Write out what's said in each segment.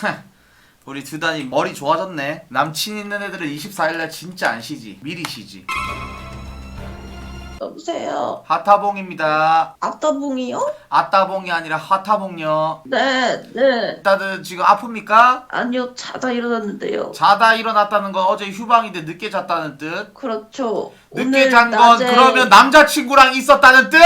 우리 두단이 머리 좋아졌네. 남친 있는 애들은 24일날 진짜 안 쉬지. 미리 쉬지. 여보세요. 하타봉입니다. 아따봉이요? 아따봉이 아니라 하타봉요. 네. 다들 지금 아픕니까? 아니요, 자다 일어났는데요. 자다 일어났다는 건 어제 휴방인데 늦게 잤다는 뜻? 그렇죠. 늦게 오늘 잔 건 낮에 그러면 남자친구랑 있었다는 뜻? 네!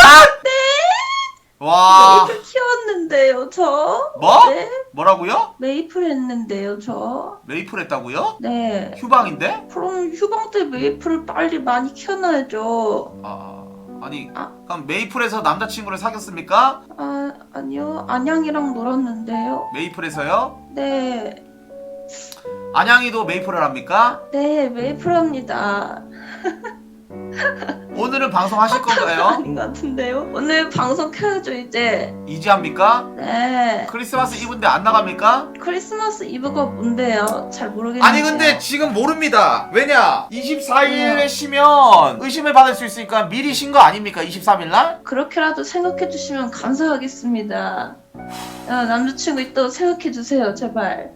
와. 메이플 키웠는데요, 저. 뭐? 네. 뭐라고요? 메이플 했는데요, 저. 메이플 했다고요? 네. 휴방인데? 그럼 휴방 때 메이플을 빨리 많이 키워놔야죠. 아니 아. 그럼 메이플에서 남자친구를 사귀었습니까? 아니요. 안양이랑 놀았는데요. 메이플에서요? 네. 안양이도 메이플을 합니까? 네, 메이플 합니다. 오늘은 방송하실 건가요? 아닌 것 같은데요? 오늘 방송 켜야죠, 이제. 이제 합니까? 네. 크리스마스 이브인데 안 나갑니까? 크리스마스 이브가 뭔데요? 잘 모르겠는데요. 아니 근데 지금 모릅니다. 왜냐? 24일에 쉬면 의심을 받을 수 있으니까 미리 쉰 거 아닙니까? 23일날? 그렇게라도 생각해 주시면 감사하겠습니다. 남자친구 있다고 생각해 주세요, 제발.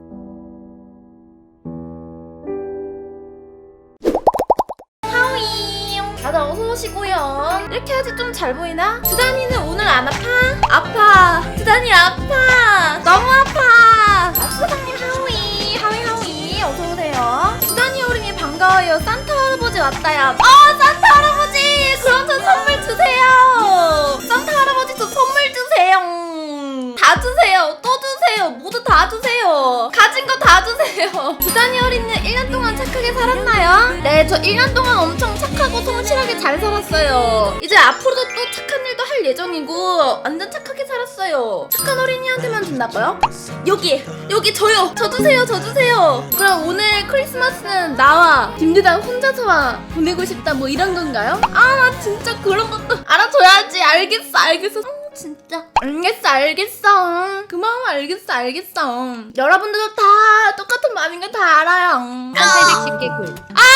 다들 어서오시고요. 이렇게 해야지 좀 잘 보이나? 두단이는 오늘 안 아파? 아파. 두단이 아파. 너무 아파. 사장님 하위 어서오세요. 두단이 어린이 반가워요. 산타 할아버지 왔다야. 산타 할아버지 그럼 저 선물 주세요. 산타 할아버지 저 선물 주세요. 다 주세요. 또 주세요. 모두 다 주세요. 가진 거 다 주세요. 두단이 어린이는 1년 동안 착하게 살았나요? 네, 저 1년 동안 엄청 착하고 성실하게 잘 살았어요. 이제 앞으로도 또 착한 일도 할 예정이고 완전 착하게 살았어요. 착한 어린이한테만 준다고요? 여기 저요. 저 주세요. 그럼 오늘 크리스마스는 나와 김두단 혼자서 보내고 싶다 뭐 이런 건가요? 나 진짜 그런 것도 알아줘야지. 알겠어. 진짜 알겠어. 그 마음 알겠어. 여러분들도 다 똑같은 마음인 거 다 알아요. 1810개 굴.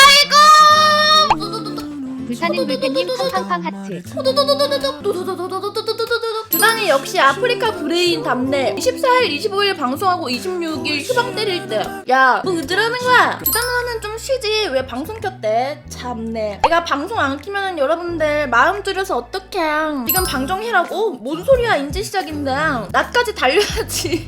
아이고. 불타는 불패님 팡팡팡 하트. 두단이 역시 아프리카 브레인 답네. 24일 25일 방송하고 26일 휴방 때릴 때. 야, 뭐 으드라는 거야? 두단 누나는 좀 쉬지 왜 방송 켰대? 참네. 내가 방송 안 키면은 여러분들 마음 졸여서 어떡해. 지금 방송해라고? 뭔 소리야. 이제 시작인데 나까지 달려야지.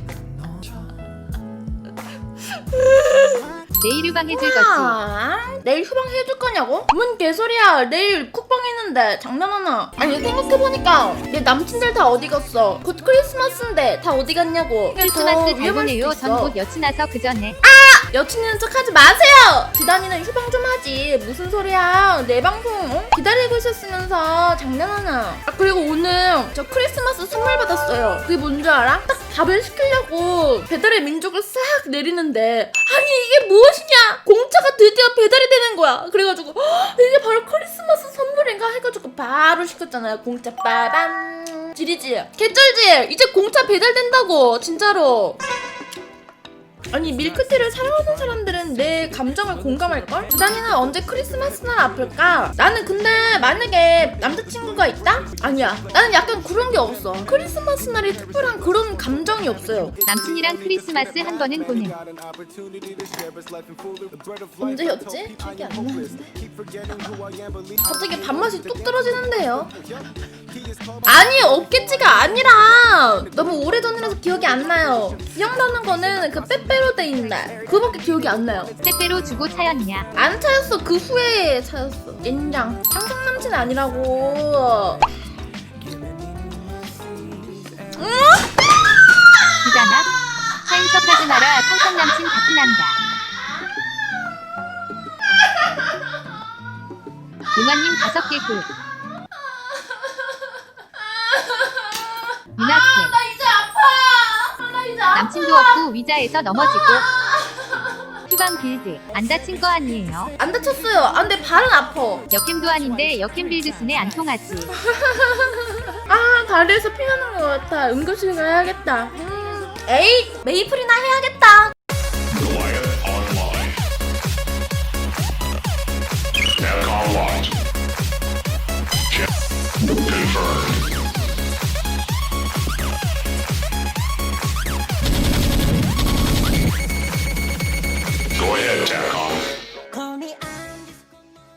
내일 휴방 해줄 거지. 내일 휴방 해줄 거냐고? 뭔 개소리야. 내일 쿡방 있는데 장난하나? 아니 생각해보니까 내 남친들 다 어디 갔어? 곧 크리스마스인데 다 어디 갔냐고. 크리스마스 잘 보내요. 전 곧 여친 와서 그 전에. 여친이는 척하지 마세요. 두단이는 휴방 좀 하지. 무슨 소리야. 내 방송 기다리고 있었으면서 장난하나. 그리고 오늘 저 크리스마스 선물 받았어요. 그게 뭔지 알아? 딱 밥을 시키려고 배달의 민족을 싹 내리는데 아니 이게 무엇이냐. 공짜가 드디어 배달이 되는 거야. 그래가지고 이게 바로 크리스마스 선물인가 해가지고 바로 시켰잖아요. 공짜 빠밤. 지리지 개쩔지. 이제 공짜 배달된다고 진짜로. 아니 밀크티를 사랑하는 사람들은 내 감정을 공감할걸? 두단이는 언제 크리스마스 날 아플까? 나는 근데 만약에 남자친구가 있다? 아니야. 나는 약간 그런 게 없어. 크리스마스 날이 특별한 그런 감정이 없어요. 남친이랑 크리스마스 한 번은 보는. 언제였지? 기억이 안 나는데. 갑자기 밥맛이 뚝 떨어지는데요. 아니 없겠지가 아니라 너무 오래전이라서 기억이 안 나요. 기억나는 거는 그 빼빼로 돼 있는 날 그거밖에 기억이 안 나요. 때때로 주고 차였냐. 안 차였어. 그 후에 차였어. 인장. 상상 남친 아니라고. 기자나. 차인석 하지 마라. 상상 남친 같이 난다. 응원님 5개 굴. 윤학생. 나 이제 아파. 나 이제 아파. 남친도 없고 위자에서 넘어지고. 휴방 빌드. 안 다친 거 아니에요? 안 다쳤어요. 근데 발은 아파. 역캠도 아닌데 역캠 빌드 순에 안 통하지. 다리에서 피 나는 것 같아. 응급실 가야겠다. 에이 메이플이나 해야겠다.